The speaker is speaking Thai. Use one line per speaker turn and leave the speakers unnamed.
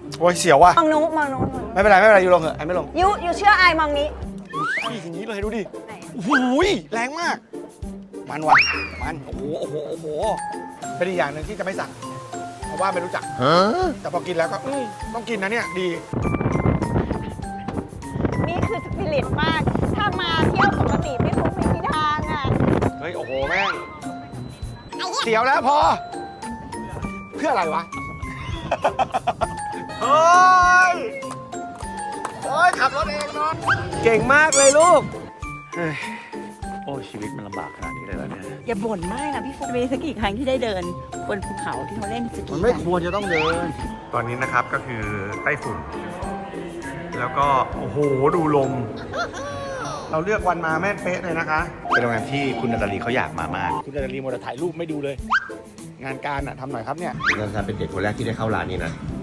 โอ้ยเสียวว่ะ
มองนู้นมองนู้น
ไม่เป็นไรไม่เป็นไรยูลงเหอะไอไม่ลง
ยูเชื่อไอมองนี้
พี่อย่างนี้เลยดูดิ
ไหน
โอ้โหแรงมาก มันว่ะมันโอ้โหโอ้โหโอ้โหเป็นอีกอย่างหนึ่งที่จะไม่สั่งเพราะว่าไม่รู้จักแต่พอกินแล้วก็ต้องกินนะเนี่ยดี
นี่คือสปิริตมาก ถ้ามาเที่ยวปกติพี่ฟุ๊กไม่มีทางอ่ะ
เฮ้ยโอ้โหแม่งเสียวแล้วพอ เพื่ออะไรวะ เฮ้ยโอ้ยขับรถเองนอนเก่งมากเลยลูกเฮ้ยโอ้ยชีวิตมันลำบากขนาดนี้เลยเหรอเนี่ย
อย่าบ่นมากนะพี่ฟุ๊กมีสักกี่ครั้งที่ได้เดินบนภูเขาที่เขาเล่นสกี
มันไม่ควรจะต้องเดิน ตอนนี้นะครับก็คือไต้ฝุ่น แล้วก็โอ้โหดูลม เราเลือกวันมาแม่นเป๊ะเลยนะคะ เป็นโรงแรมที่คุณนาตาลีเขาอยากมามาก คุณนาตาลีมัวแต่ถ่ายรูปไม่ดูเลย งานการอะทำหน่อยครับเนี่ย
นันทาเป็นเด็กคนแรกที่ได้เข้าร้านนี้นะ